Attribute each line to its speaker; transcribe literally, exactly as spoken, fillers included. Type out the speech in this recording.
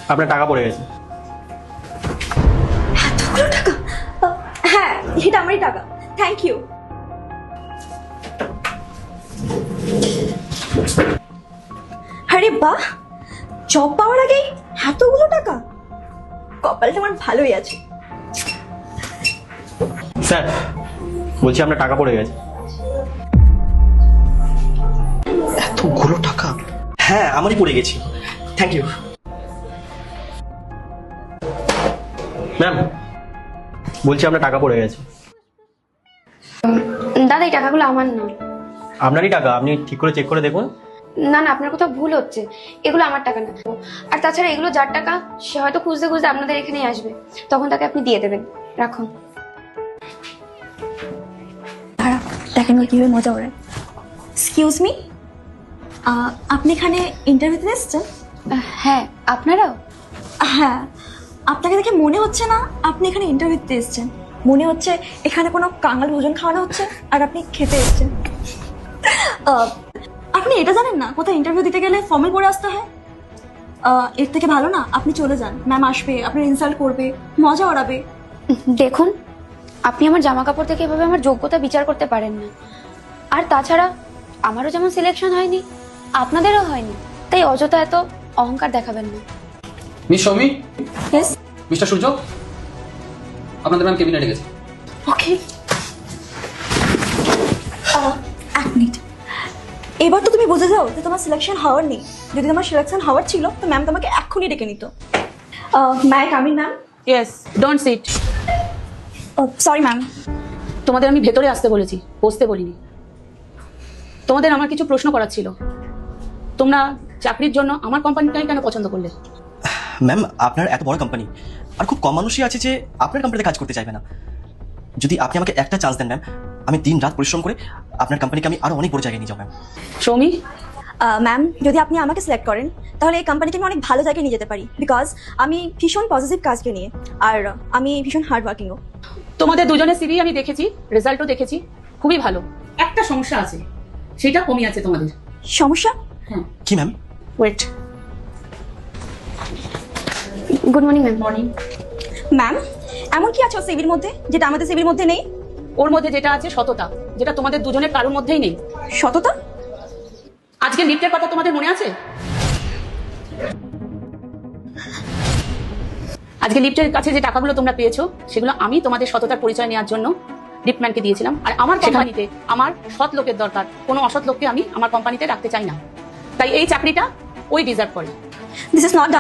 Speaker 1: আপনার টাকা পড়ে গেছে।
Speaker 2: এতগুলো টাকা? আহ, হ্যাঁ, এটা আমারই টাকা। Thank you. আরে বাহ, জব পাওয়ার আগেই এতগুলো টাকা, কপালটা আমার ভালোই আছে।
Speaker 1: স্যার বলছি আপনার টাকা পড়ে গেছে।
Speaker 3: এতগুলো টাকা? হ্যাঁ, আমারই পড়ে গেছি। থ্যাংক ইউ
Speaker 1: ম্যাম, বলছি আপনার টাকা পড়ে গেছে।
Speaker 4: দাদা এই টাকাগুলো আমার না।
Speaker 1: আপনারই টাকা, আপনি ঠিক করে চেক করে দেখুন।
Speaker 4: না না, আপনার কোথাও ভুল হচ্ছে, এগুলো আমার টাকা না। আর তাছাড়া এগুলো যার টাকা সে হয়তো খুঁজতে খুঁজতে আপনাদের এখানেই আসবে, তখন তাকে আপনি দিয়ে দেবেন। রাখুন।
Speaker 2: দাঁড়া, দেখেন ওর কিভাবে মজা ওড়ায়। এক্সকিউজ মি, আপনি এখানে ইন্টারভিউতে এসেছেন?
Speaker 4: আহ, হ্যাঁ, আপনারাও?
Speaker 2: হ্যাঁ, আপনাকে দেখে মনে হচ্ছে না আপনি এখানে ইন্টারভিউ দিতে এসেছেন। মনে হচ্ছে এখানে কোনো কাঙাল ভোজন খাওয়ানো হচ্ছে আর আপনি খেতে এসেছেন। আহ, আপনি এটা জানেন না কোথায় ইন্টারভিউ দিতে গেলে ফর্মাল পরে আসতে হয়? আহ, এর থেকে ভালো না আপনি চলে যান, ম্যাম আসবে, আপনার ইনসাল্ট করবে, মজা ওড়াবে।
Speaker 4: দেখুন, আপনি আমার জামা কাপড় থেকে এভাবে আমার যোগ্যতা বিচার করতে পারেন না। আর তাছাড়া আমারও যেমন সিলেকশন হয়নি, আপনাদেরও হয়নি, তাই অযথা এত অহংকার দেখাবেন না।
Speaker 5: Miss Soumi,
Speaker 2: yes,
Speaker 5: mister Surya, আপনাদের ম্যাম কেবিনে ডেকেছে।
Speaker 2: ওকে। এক মিনিট, এবার তো তুমি বুঝে যাও যে তোমার সিলেকশন হওয়ার নেই। যদি তোমার সিলেকশন হওয়ার ছিল তো ম্যাম তোমাকে এক্ষুনি ডেকে নিত। Ma'am coming ma'am.
Speaker 6: Yes, don't sit.
Speaker 2: Sorry ma'am.
Speaker 6: তোমাদের আমি ভেতরে আসতে বলেছি, বসতে বলিনি। তোমাদের আমার কিছু প্রশ্ন করার ছিল। তোমরা চাকরির জন্য আমার কোম্পানিটাই কেন পছন্দ করলে?
Speaker 3: ম্যাম, আপনার এত বড় কোম্পানি আর খুব কম মানুষই আছে যে আপনার কোম্পানিতে কাজ করতে চাইবে না। যদি আপনি আমাকে একটা চান্স দেন ম্যাম, আমি দিন রাত পরিশ্রম করে আপনার কোম্পানিকে আমি আরো অনেক বড় জায়গায় নিয়ে যাবো ম্যাম।
Speaker 6: সৌমি,
Speaker 2: ম্যাম, যদি আপনি আমাকে সিলেক্ট করেন তাহলে এই কোম্পানিকে আমি অনেক ভালো জায়গায় নিয়ে যেতে পারি, বিকজ আমি ভীষণ পজিটিভ কাজকে নিয়ে, আর আমি ভীষণ হার্ড ওয়ার্কিংও।
Speaker 6: তোমাদের দুজনের সিভি আমি দেখেছি, রেজাল্টও দেখেছি, খুবই ভালো। একটা সমস্যা আছে, সেটা কমই আছে তোমাদের।
Speaker 2: সমস্যা?
Speaker 6: হ্যাঁ।
Speaker 3: কি ma'am?
Speaker 6: Wait.
Speaker 4: Good morning ma'am.
Speaker 6: Morning.
Speaker 2: Ma'am, এমন কি আছে ওর সিভির মধ্যে যেটা আমাদের সিভির মধ্যে নেই?
Speaker 6: ওর মধ্যে যেটা আছে সততা, যেটা তোমাদের দুজনের কারোর মধ্যেই নেই।
Speaker 2: সততা?
Speaker 6: আজকে লিফটের কথা তোমাদের মনে আছে? আজকে লিফটের কাছে যে টাকাগুলো তোমরা পেয়েছো, সেগুলো আমি তোমাদের সততার পরিচয় নেওয়ার জন্য লিফটম্যানকে দিয়েছিলাম। আর আমার কোম্পানিতে আমার সৎ লোকের দরকার, কোনো অসৎ লোককে আমি আমার কোম্পানিতে রাখতে চাই না। তাই এই চাকরিটা ওই ডিজার্ভ করে।
Speaker 2: This is not